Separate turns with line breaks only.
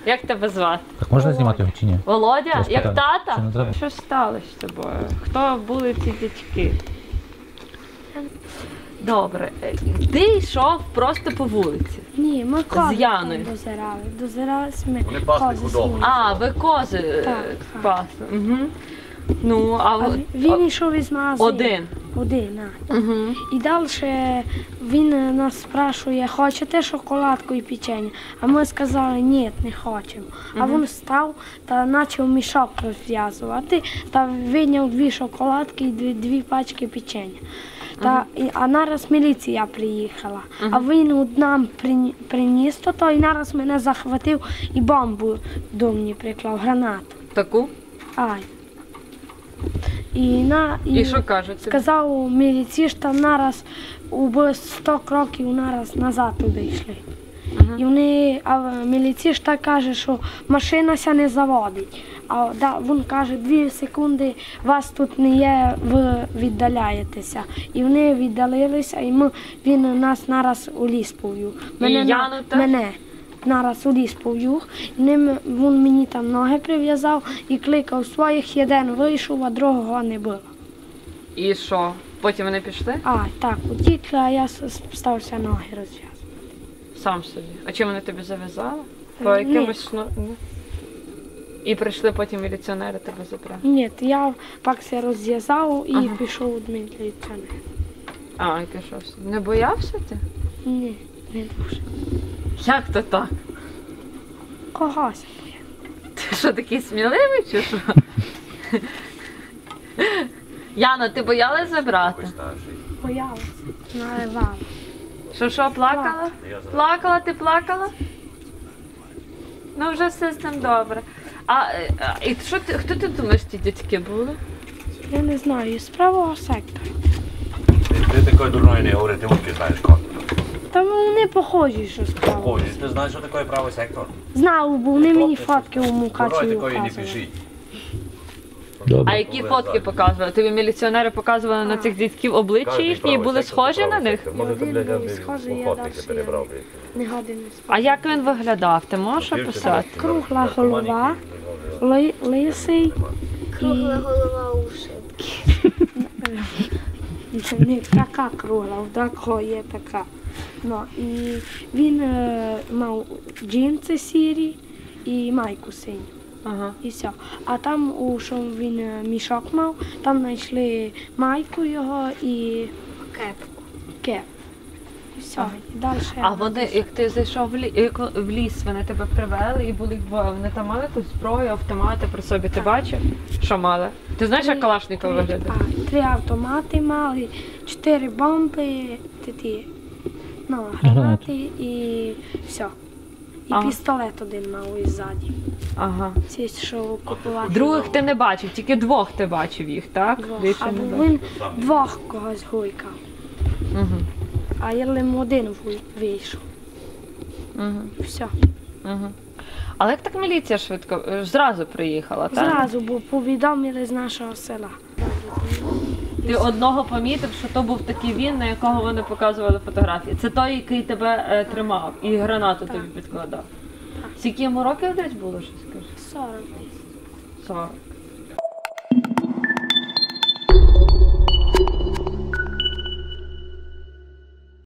Як тебе звати?
Так можна знімати його чи ні?
Володя? Як тата?
Чи не треба?
Що сталося з тобою? Хто були ці дядьки? Добре. Ти йшов просто по вулиці?
Ні, ми кози
З Яною?
дозирали. Дозирались ми
Вони пасли
кози
худобу.
свої.
А, ви кози
Так.
пасли. Угу. Ну, а
Він йшов із магазину.
один?
Один, а.
Угу.
І далі він нас спрашує, хочете шоколадку і печення? А ми сказали, ні, не хочемо. А він став та почав мішок розв'язувати, та вийняв 2 шоколадки і 2 пачки печення. А нараз міліція приїхала, а він нам приніс то, і нараз мене захватив і бомбу до мене приклав, гранату.
Таку?
Ай.
І що кажуть?
Сказав міліцішта нараз у 100 кроків нараз назад туди йшли. І а міліцішта каже, що машина ся не заводить. А він каже, 2 секунди вас тут не є, ви віддаляєтеся. І вони віддалилися, і він нас нараз у ліс повів. Мене нараз у ліс повів. Він мені там ноги прив'язав і кликав своїх, один вийшов, а другого не було.
І що? Потім вони пішли?
Так, утікли, а я стався ноги розв'язувати.
Сам собі. А чим вони тобі зав'язали? По
Ні.
якимось І прийшли потім міліціонери тебе забрали?
Ні, я пакся розв'язав і пішов до міліціонера.
А, і пішов. Не боявся ти?
Ні, не дуже.
Як то так?
Когось.
Ти що, такий сміливий чи що? Яна, ти боялась забрати?
Боялася, наливала.
Що, плакала? Плакала, ти плакала? Ну, вже все з цим добре. І хто ти думаєш, ті дядьки були?
Я не знаю, з правого сектора.
Ти такої дурної не говори, ти муки знаєш як.
Та вони похожі, що з правого.
Ходиш, ти знаєш, що таке правий сектор?
Знав, бо вони мені фотки у Мукачеві
Дурної такої не
показували.
пишіть.
А які фотки показували? Тобі міліціонери показували на цих дядьків обличчя їхні і були схожі на них?
Може, ти, блядь,
Один був схожий, я
охотники
далі
перебрав, блядь.
Не годин не спав.
А як він виглядав? Ти можеш описати?
Кругла голова, лисий
Кругла голова уши.
не така кругла, в такого є така. Ну, і він мав джинси сірі і майку синю.
Ага.
І все. А там, що він мішок мав, там знайшли майку його і
Кепку.
кеп. І все. І далі.
А вони, як ти зайшов в ліс, вони тебе привели і були двоє. Вони там мали якусь зброю, автомати при собі. Ти бачив? Що мали? Ти знаєш, як Калашников виглядає?
3 автомати мали, 4 бомби, гранати і все. І пістолет один мав іззаді.
Ага.
Ці, що купувати.
Других ти не бачив, тільки 2 ти бачив їх, так? Більше не
Або
бачив.
він 2 когось гуйкав.
Угу.
А я лим один вийшов.
Угу.
Все.
Угу. Але як так міліція швидко, зразу приїхала, так?
Зразу, бо повідомили з нашого села.
Ти одного помітив, що то був такий він, на якого вони показували фотографії. Це той, який тебе тримав і гранату тобі підкладав. Скільки йому років десь було, що скажеш?
40 десь.
40.